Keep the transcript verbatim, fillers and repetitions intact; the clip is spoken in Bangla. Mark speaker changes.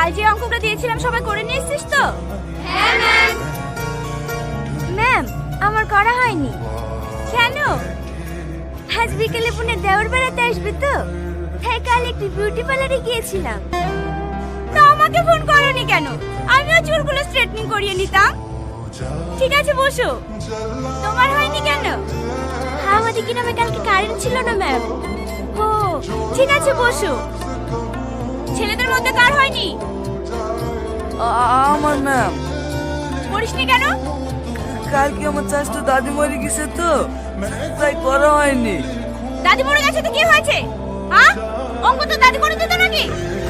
Speaker 1: কাল যে অঙ্কটা দিয়েছিলাম সবাই করে নিয়েছিস তো? হ্যাঁ ম্যাম। ম্যাম আমার করা হয়নি। কেন? আজ বিকেলে পুনে দেওয়ার বেড়াতে আসবে তো, তাই কাল একটু বিউটি পার্লারে গিয়েছিলাম। তা আমাকে ফোন করোনি কেন? আমিও চুলগুলো স্ট্রেটনিং করিয়ে নিতাম। ঠিক আছে বসো। তোমার হয়নি কেন? আমাদের গ্রামে কালকে কারেন্ট ছিল না ম্যাম। ও ঠিক আছে বসো। ছেলেদের মধ্যে কার হয়নি?
Speaker 2: আমার ম্যাম।
Speaker 1: করিসনি কেন?
Speaker 2: কালকে আমার চাষটা দাদি মরে গেছে তো, তাই করা হয়নি।
Speaker 1: দাদি মরে গেছে তো কি হয়েছে? হ্যাঁ অঙ্ক তো দাদি করে দিত নাকি?